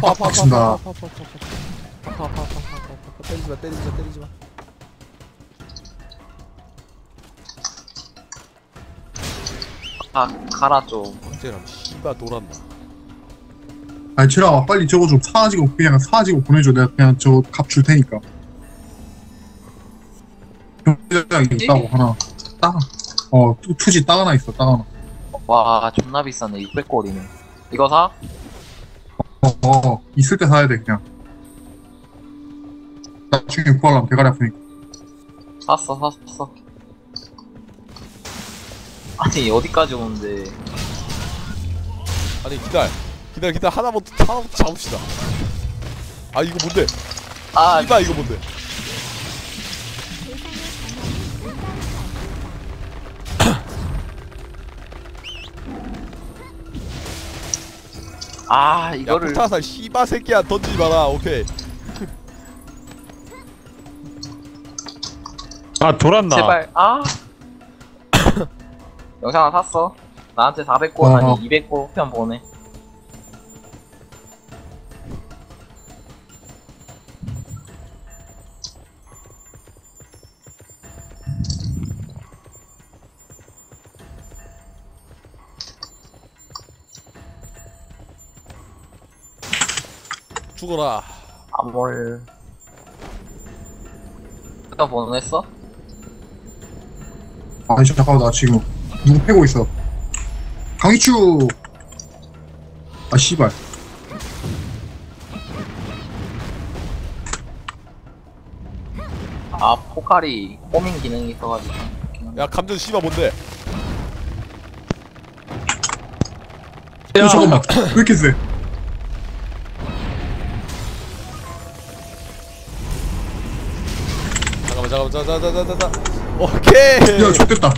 아파 빡친다. 때리지마 때리지마 때리지마. 아 가라 좀. 쟤랑 씨발 돌았나. 아니 쟤라 빨리 저거 좀 사가지고 그냥 사가지고 보내줘. 내가 그냥 저거 값 줄 테니까. 경제장 있다고 하나 따. 투지 따 하나 있어. 따 하나. 와 존나 비싸네. 600골이네. 이거 사? 있을 때 사야 돼 그냥. 나중에 구하려면 대가리 아프니까. 샀어. 아니 어디까지 오는데? 아니 기다려 하나부터 잡읍시다. 아 이거 뭔데? 아 씨발 이거 뭔데? 아 야 이거를 폭탄살 씨발 새끼야 던지지 마라. 오케이. 아 돌았나? 제발 아 영상 하나 샀어. 나한테 400골 와. 아니 200골 편 보내. 죽어라. 암몰 편 보냈어? 아니 잠깐만 나 지금 누구 패고 있어. 강희추. 아 씨발. 아 포칼이 호밍 기능이 있어가지고. 야 감전 씨발 뭔데? 잠깐만. 왜 이렇게 세? 잠깐만 자. 오케이. 야 좋됐다.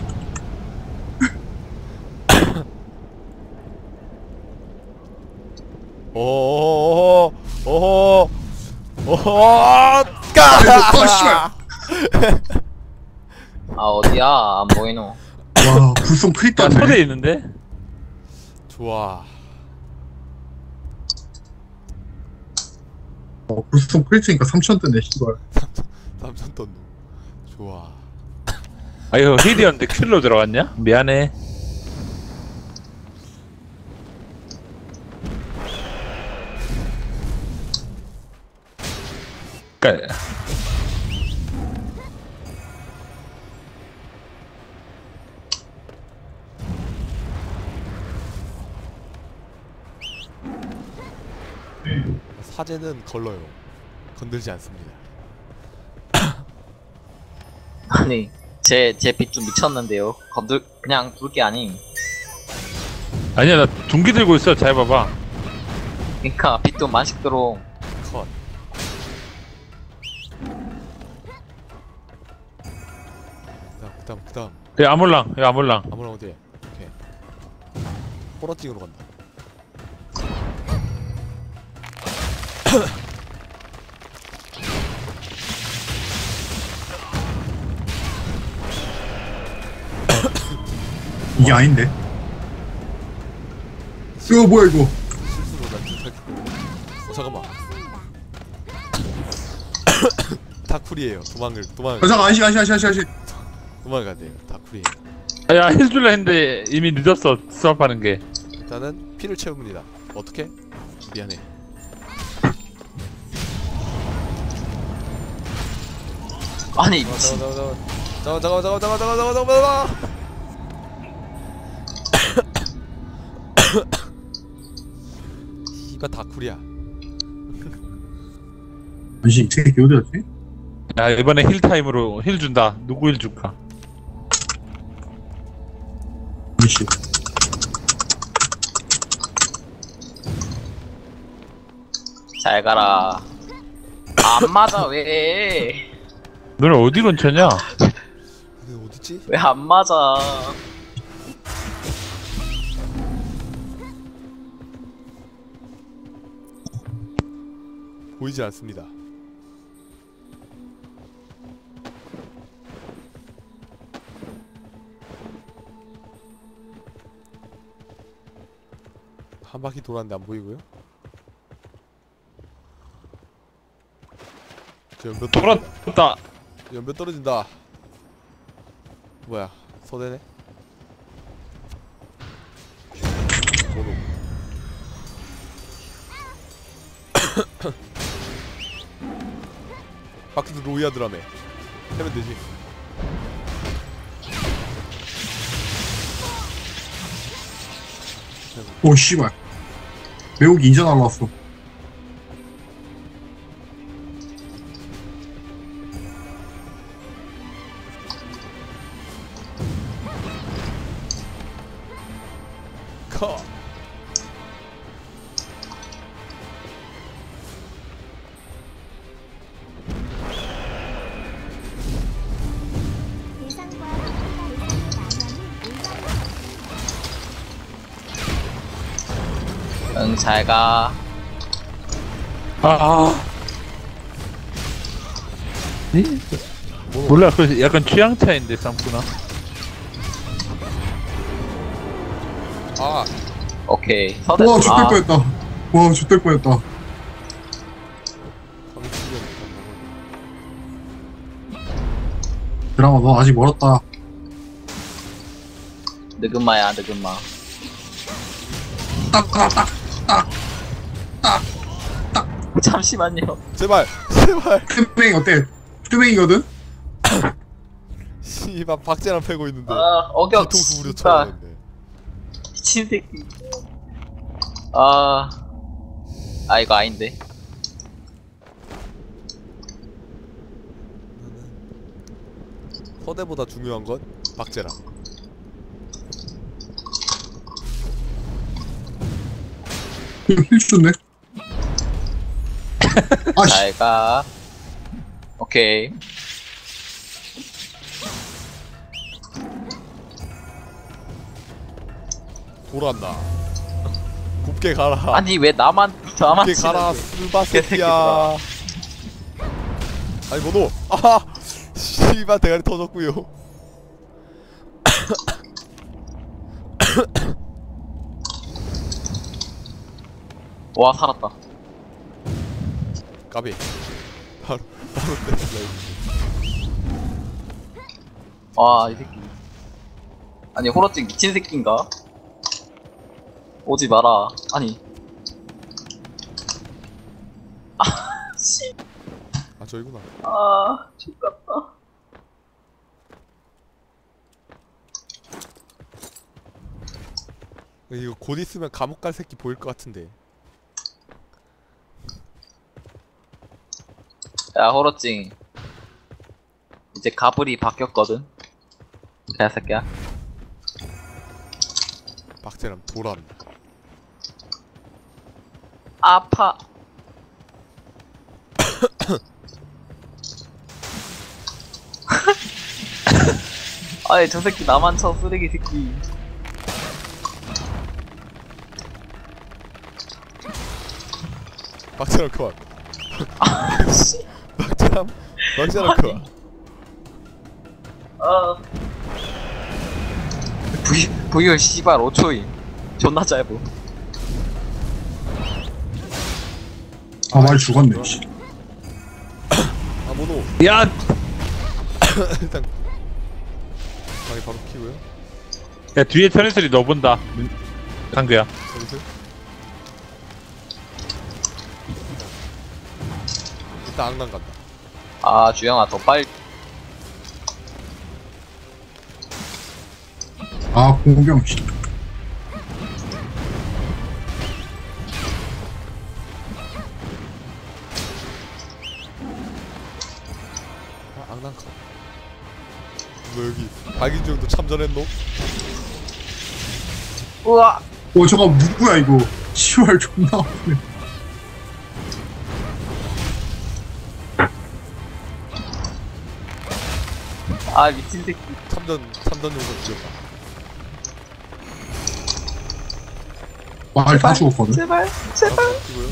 오호호호호호호호 아 씨발. 아 어디야 안 보이노. 와 불송 크립 야 땄네. 소대 있는데? 좋아. 불송 크립이니까 3천 뜨네 씨발. 삼천 떴노. 좋아. 아 이거 힐이었는데 킬로 들어갔냐? 미안해. 그니까 사제는 걸러요. 건들지 않습니다. 아니 제 빛 좀 미쳤는데요. 그냥 둘 게 아님. 아니야 나 둥기 들고 있어. 잘 봐봐. 그니까 빛도 만식 들어. 컷. 그다음. 야 아몰랑 야 아몰랑. 아무나 어디? 오케이. 호러찡으로 간다. 이게 아닌데. 이거 뭐야 이거. 실수로 난 못하겠고. 잠깐만. 다쿨이에요. 도망을 잠깐 안시. 도망가야 돼요. 다쿨이에요. 야 해줄라 했는데 이미 늦었어. 수업하는 게. 일단은 피를 채웁니다. 어떻게? 미안해. 아니 미친. 잠깐만. 이거 다쿨이야. 안시 이 새끼 어디 갔지? 야 이번에 힐 타임으로 힐 준다. 누구 힐 줄까? 안시. 잘 가라. 안 맞아 왜? 너네 어디 근처냐? 이거 어딨지? 왜 안 맞아? 보이지 않습니다. 한 바퀴 돌았는데 안 보이고요. 저 연몇 돌았다. 연몇 떨어진다. 뭐야 서대네. 모노. 바퀴도 로이아드라며. 하면 되지. 오 씨발. 매우기 인자 날라왔어. 커. 대상과 대상의 나면은 응, 잘 가. 아. 몰라, 그 약간 취향 차인데 쌈구나. 아 오케이. 서대. 와 죽될 뻔했다. 와 죽될 뻔했다. 드라마 너 아직 멀었다. 느금마야, 느금마. 딱딱딱. 잠시만요. 제발 제발. 뚜맹이 어때? 뚜맹이거든? 씨발 박재랑 패고 있는데. 아, 어격. 뒤통수 우려 씨발. 쳐야겠네. 미친 새끼. 이거 아닌데. 서대보다 중요한 건 박재랑. 힐 줬네. 아씨. 잘 가. 오케이. 돌았나. 곱게 가라. 아니, 왜 나만 곱게 가라 치는데. 스바 새끼야. 아니 뭐노. 아 씨발 대가리 터졌구요. 와, 살았다. 까비. 바로 냈어. 와, 이 새끼. 아니, 호러찡 미친 새끼인가? 오지 마라. 아니. 아, 씨. 아 저기구나. 아, 죽겠다. 이거 곧 있으면 감옥 갈 새끼 보일 것 같은데. 야, 호러찡. 이제 가불이 바뀌었거든. 개새끼야. 박재랑 돌았나. 아파. 아이, 저 새끼 나만 쳐, 쓰레기 새끼. 박재랑 컷. 아, 씨. 박재랑 컷. 부유 씨발 5초임. 존나 짧어. 아 많이 죽었네. 씨. 아 모노. 야, 일단 방이 바로 키고요. 야 뒤에 천리소리 너 본다. 강규야. 여기서 일단 악난 간다. 아, 주영아, 더 빨리. 아 공병. 씨. 아 악난 컷. 뭐 여기 박인중도 참전했노? 우와! 오 잠깐 누구야 이거. 시발 존나 아프네. 아, 미친 새끼. 참전 용서 죽였다. 말 다 죽었거든. 제발, 제발. 키고요.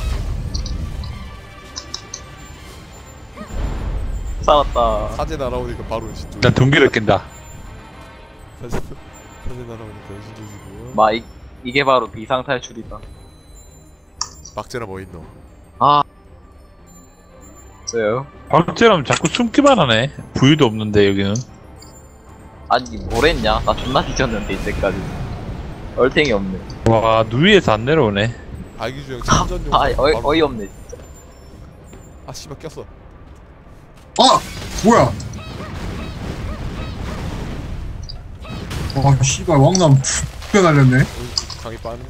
살았다. 사제 날아오니까 바로 은신 쪽. 난 동기를 깬다. 사제 날아오니까 은신 쪽이고요. 마, 이게 바로 비상탈출이다. 박재랑 뭐 있노? 아. 없어요. 박재람 자꾸 숨기만 하네. 부유도 없는데 여기는. 아니 뭘 했냐? 나 존나 뒤졌는데 이때까지. 얼탱이 없네. 와 누위에서 안 내려오네. 발기주형 참전용. 아 어이없네. 아 씨발 꼈어. 아! 뭐야? 와, 씨발, 왕남 푹 날렸네. 강이 빠네.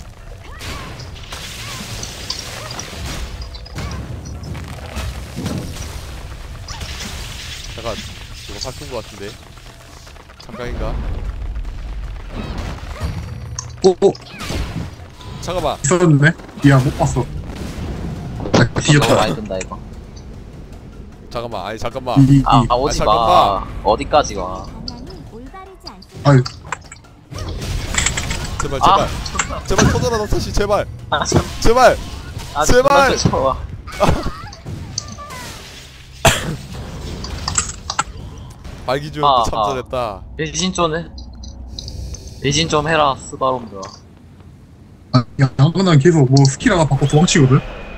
잠깐 이거 살핀 거 같은데. 잠깐인가? 잠깐만. 있었네? 미안, 못 봤어. 나 너무 뒤졌다. 많이 든다 이거. 잠깐만. 아니 잠깐만. 아 오지 마. 잠깐만. 어디까지 가? 방향이 올바르지 않습니다. 아유, 제발 아. 제발. 제발 터져라 너타시 제발. 아 참. 제발. 아, 제발! 좋아. 발기주형도 참전했다. 배신 좀 해. 배신 좀 해라 스바롬들아. 아, 야, 난 계속 뭐 스킬 하나 받고 도망치거든?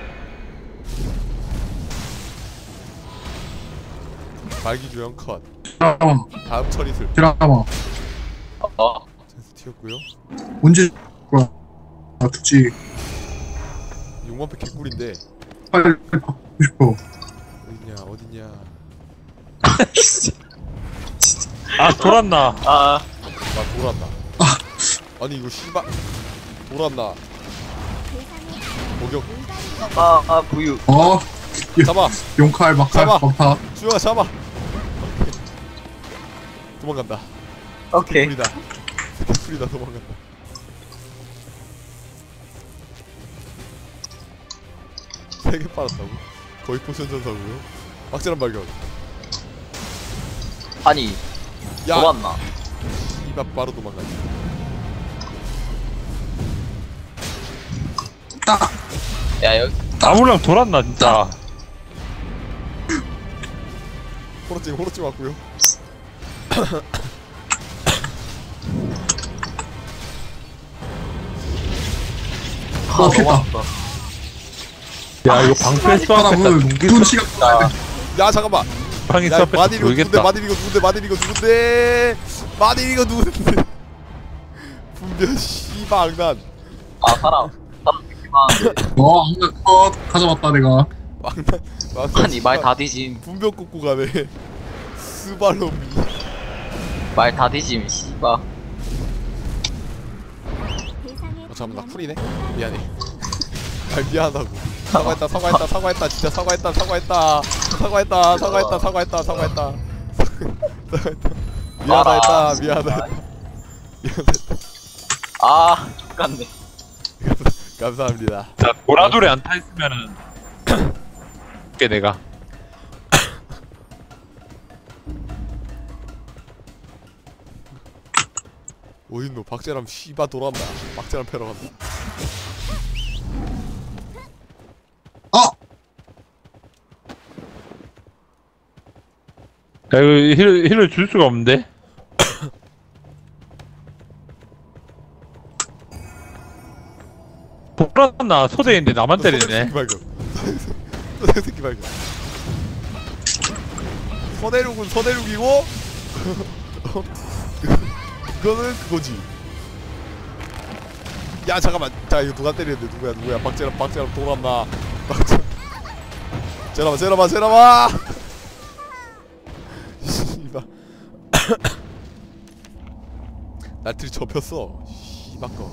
발기주형 컷. 드라마, 다음 처리술. 드라마. 센스 튀었고요. 언제, 뭐야. 아, 듣지. 6만패 개꿀인데 빨리 받고 싶어. 어딨냐. 아 돌았나. 아 나 돌았나. 아니 이거 씨발 돌았나. 목욕. 부유. 어, 잡아. 용칼, 막칼, 잡아. 막타. 주영아 잡아. 도망간다. 오케이. 풀이다. 풀이다 도망간다. 세 개 빨았다고? 거의 포션 전사고요. 막자란 발견. 아니 야, 도왔나? 이밥 바로 도망가지. 딱! 야 여기 나무랑 돌았나 진짜. 호러찡 왔고요. 어, 겠다. 왔다. 야 이거 방패 쏘았겠다. 사람은 동기 눈 시간 아, 야 잠깐만. 방이 야 쏘았겠다. 마딜 이거 누군데? 모르겠다. 마딜 이거 누군데? 분별 씨발 악난. 사람 느낌하는데. 어, 컷. 가져왔다, 내가. 악난. 아니 말 다 뒤짐. 분별 꽂고 가네. 스발롬이. 말 다 뒤짐 씨바. 잠깐만 나 풀이네. 미안해. 아 미안하다고. 사과했다 진짜 사과했다 미안하다 아 똑같네. 감사합니다. 자 보라돌에 안 타 있으면은 게 내가. 어딨노 박재람 씨바 돌아온다. 박재람 패러 간다. 아! 야 이거 힐을 줄 수가 없는데. 보라나 소대인데 나만 때리네. 새끼 발견. 서대륙은 서대륙이고 그거는 그거지. 야 잠깐만. 자 이거 누가 때리는데 누구야 박재람 돌았나. 재람아 씨발. 날틀이 접혔어 씨발거.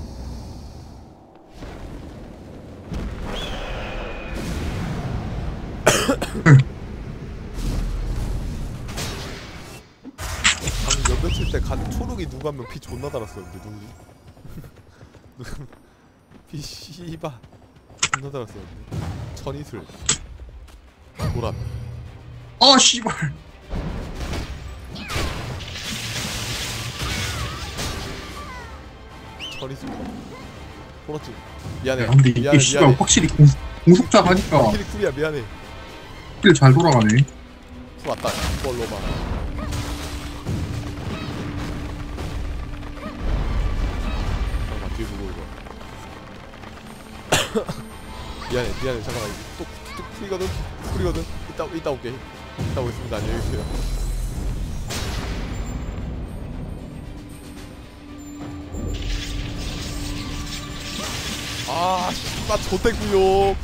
방금 연며칠 때 간 초록이 누구 한 명 피 존나 달았었는데 누구지? 피 씨바 존나 달았었는데. 천이슬 도란. 아, 씨발. 천이슬 호러찡 미안해. 야, 근데 이게 씨발 확실히 공속자 하니까 킬이 쿨이야 미안해. 스킬 잘 돌아가네. 쿨 왔다 걸로만. 잠깐만 뒤에 누구 이거. 미안해 잠깐만 이거 또 풀이거든. 이따 올게. 이따 오겠습니다. 안녕히 계세요. 아, 씨발 좋대구요.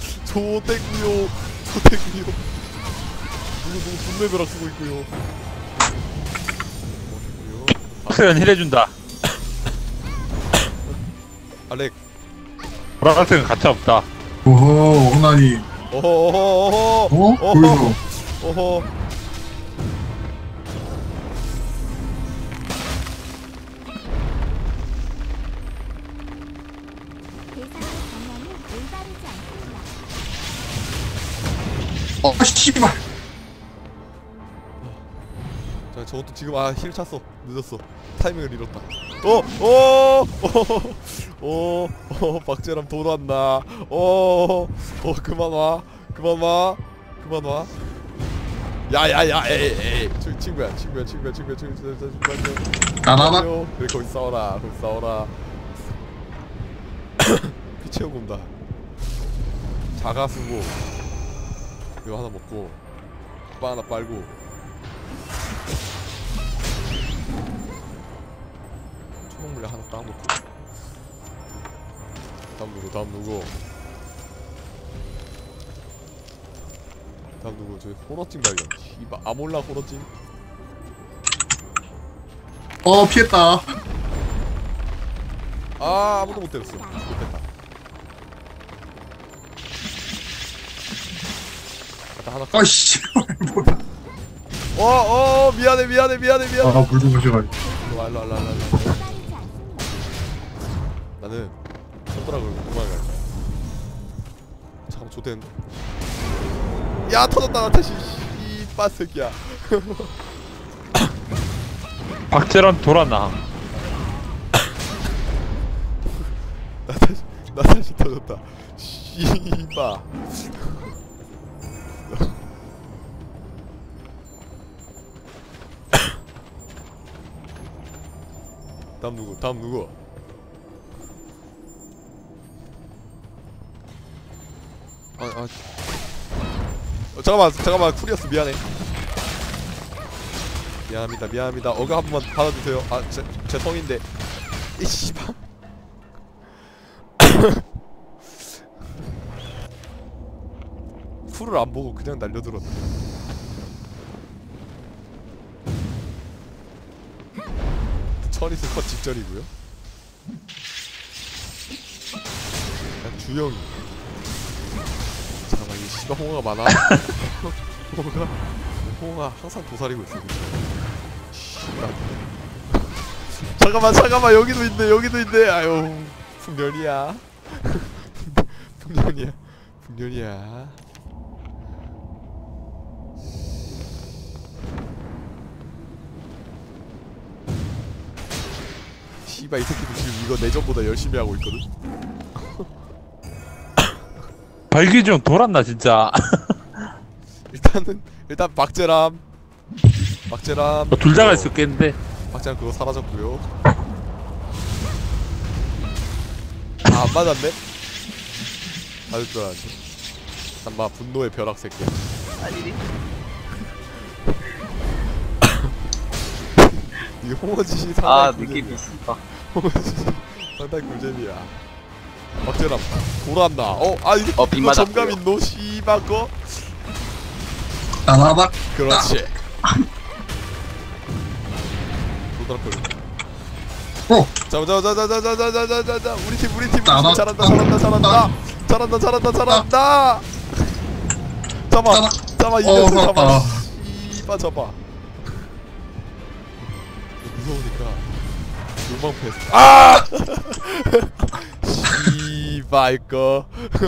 누구 분매벼락 쓰고 있고요. 수연 힐해준다. 알렉. 보라색은 가차 없다. 오호 억나니. 어허. 보이소. 어허. 대상의 방향이 올바르지 않습니다. 씨발. 자, 저것도 지금 힐 찼어. 늦었어. 타이밍을 잃었다. 박재람 돌아왔나. 그만 와. 야야야, 에이. 친구야. 나나나. 그래, 거기 싸워라. 피 채우고 온다. 자가수고 이거 하나 먹고 빠 하나 빨고. 초록물약 하나 딱 놓고. 다음 누구? 저기 호러찡 발견. 이봐, 아몰라 호러찡. 피했다. 아무도 못 때렸어. 못됐다. 하나. 씨발. 미안해. 물 좀 마셔가지고. 일로. 올바르지 않습니다. 나는 손가락을 도망갈 거야. 잠깐만, 좋댔는데. 야, 터졌다. 다시. 씨빠 새끼야. 박재란 돌아나. 나 다시 터졌다. 씨바. 다음 누구? 잠깐만. 쿨이었어. 미안해. 미안합니다. 어그 한 번만 받아주세요. 제 성인데. 이 씨발. 쿨을 안 보고 그냥 날려들었네. 천이스 컷 직전이고요. 주영이. 잠깐만, 이 씨발 홍어가 많아. 홍어가 항상 도사리고 있어. 씨발. 잠깐만, 여기도 있네. 아유, 풍년이야. 풍년이야. 씨발, 이 새끼도 지금 이거 내전보다 열심히 하고 있거든. 발기중 돌았나 진짜. 일단 박재람. 둘 다가 있었겠는데. 박재람 그거 사라졌고요. 안 맞았네. 맞을 줄 알았는데. 잠마 분노의 벼락 새끼야. 아니리. 이 홍어짓이 상당히 느낌이 있어. 홍어짓이 상당히 꿀잼이야. 박재람 돌았나? 이거 빗 맞았고요. 점감 있노? 씨발 거. 나나나. 그렇지. 도드락걸. 자, 우리 팀 잘한다. 잡아, 이겼어. 잡아. 씨발 잡아. 무서우니까 욕망 패스. 씨발 거.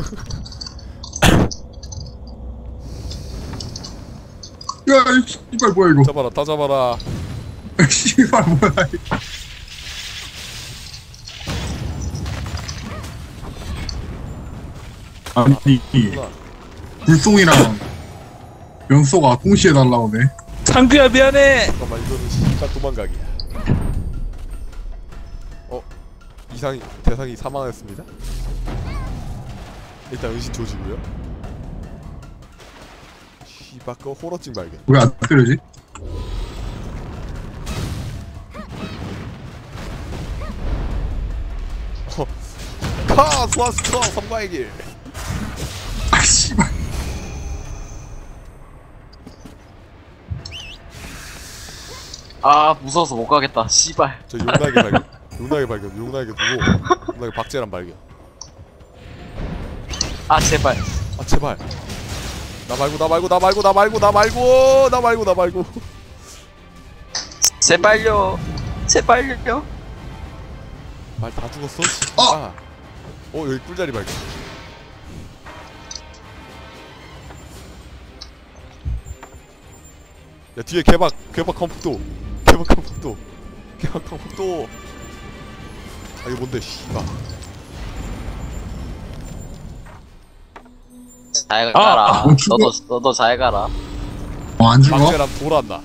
야, 씨발 뭐야 이거. 잡아라, 다 잡아라. 씨발 뭐야. 아니, 불송이랑 연소가 동시에 날라오네. 창규야 미안해. 잠깐만, 이거는 씨발 도망가기야. 대상이 사망했습니다. 일단 은신 조지고요. 씨발 그 호러증 발견. 왜 안 때려지? 카 소아스터 성과의 길. 아 씨발. 아 무서워서 못 가겠다 씨발. 저 용나게 발견. 용나게 발견. 용나게 두고 용나게 박제란 발견. 아 제발. 아 제발. 나 말고 나 말고 나 말고 나 말고 나 말고 나 말고 나 말고. 제발요. 제발요. 말 다 죽었어? 어! 여기 꿀자리 발견. 야 뒤에 개박 컴퓨터. 개박 컴퓨터. 아 이거 뭔데 씨발. 잘 가라. 어, 죽어. 너도 잘 가라. 안 죽어? 박제람 돌았나.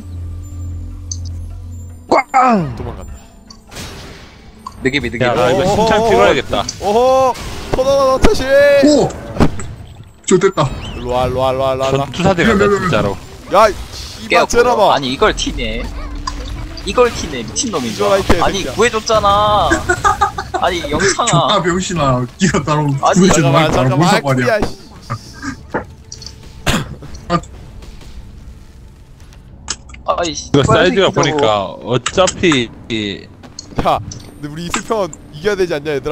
꽝! 도망간다. 느낌이 야, 나 이거 어허허허. 심창 찍어야겠다. 오호 토너너 터시. 오! 좋됐다. 일로와. 전투사대 같다 진짜로. 야 씨발 제라마. 아니 이걸 티네. 이걸 티네 미친놈인 줄 이거라, 이 개새끼야. 아니 구해줬잖아. 아니 영창아. 존나 병신아. 니가 나로 아니, 구해준 말 잠깐만 무슨 말이야. 아이쿠야, 씨. 아이 이거 사이즈가 보니까 어차피 야 근데 우리 이슬평은 이겨야 되지 않냐 얘들아?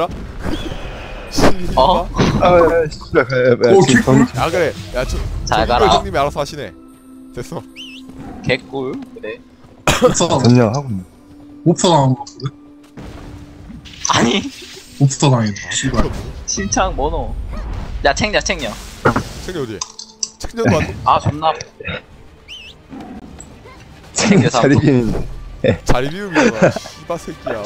어? 오 개꿀? 야 그래 야저 잘 이걸 가라. 형님이 알아서 하시네. 됐어. 개꿀. 그래. 옵사 전령하고 있네. 옵사 당한 거 같거든? 아니 옵사 당했다. 씨발. 심창 뭐노. 야 챙겨. 챙겨 어디? 챙겨도 안 돼? 아 존나. 챙겨 차리기는 자리 비움이잖아. 씨바 새끼야.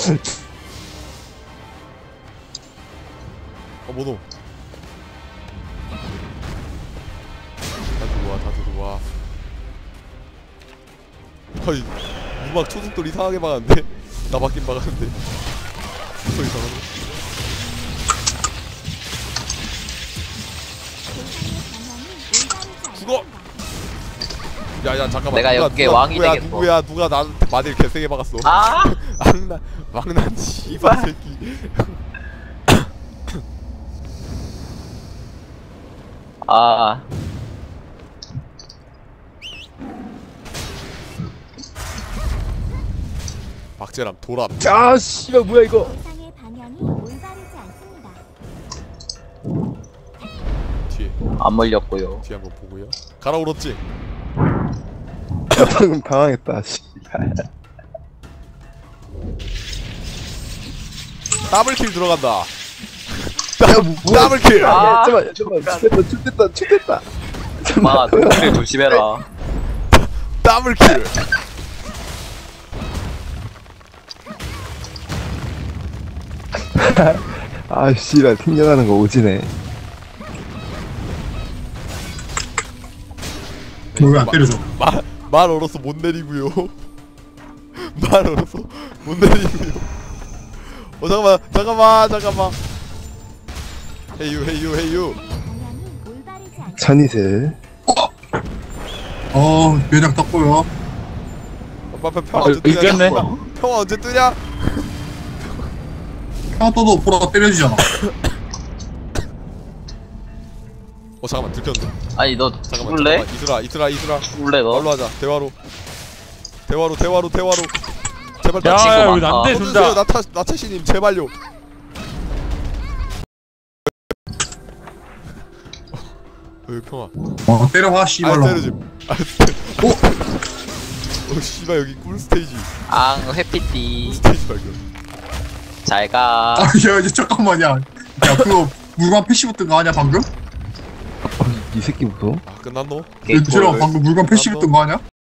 뭐노? 다 들어와. 아이 음악 초속돌 이상하게 막았는데? 나 맞긴 막았는데. 더 이상하네. 죽어! 야야 잠깐만. 내가 여기에 왕이 되겠어. 누가 나한테 마딜 개세게 막았어. 아 막난 씨발 새끼. 아. 박재람 돌아. 아 씨발 뭐야 이거. 대상의 방향이 올바르지 않습니다. 뒤에 안 물렸고요. 한번 보고요. 가라 울었지. 방금 당황했다. 씨발. 더블킬 들어간다. 야 뭐야? 더블킬. 아, 잠깐만. 죽겠다. 마 눈을 조심해라. 더블킬. 아 씨발 튕겨나는 거 오지네. 너 왜 안 때려줘? 말 얼어서 못 내리고요. 말 얼어서 못 내리고요. 잠깐만. 헤이유. 방향이 올바르지 않습니다. 천이슬. 면역 떴고요. 평화 언제 뜨냐? 이겼네. 평화 언제 뜨냐? 평 떠도 보라가 때려주잖아. 잠깐만 들켰는데. 아니 너 잠깐만. 죽을래? 이슬아. 죽을래 너? 말로 하자. 대화로. 제발 야, 친구 야, 많다. 우리 난데 쳐주세요. 준다. 나태씨님 제발요. 평화. 때려봐 아 씨발로. 때려줌. 씨발 여기 꿀 스테이지. 앙 회피띠. 스테이지 발견. 잘가. 야 이제 잠깐만 야 그거 물건 패시브 뜬 거 아니야 방금? 이 새끼 무서워. 끝났노? 얘들아 방금 물건 패시브 뜬 거 아니야?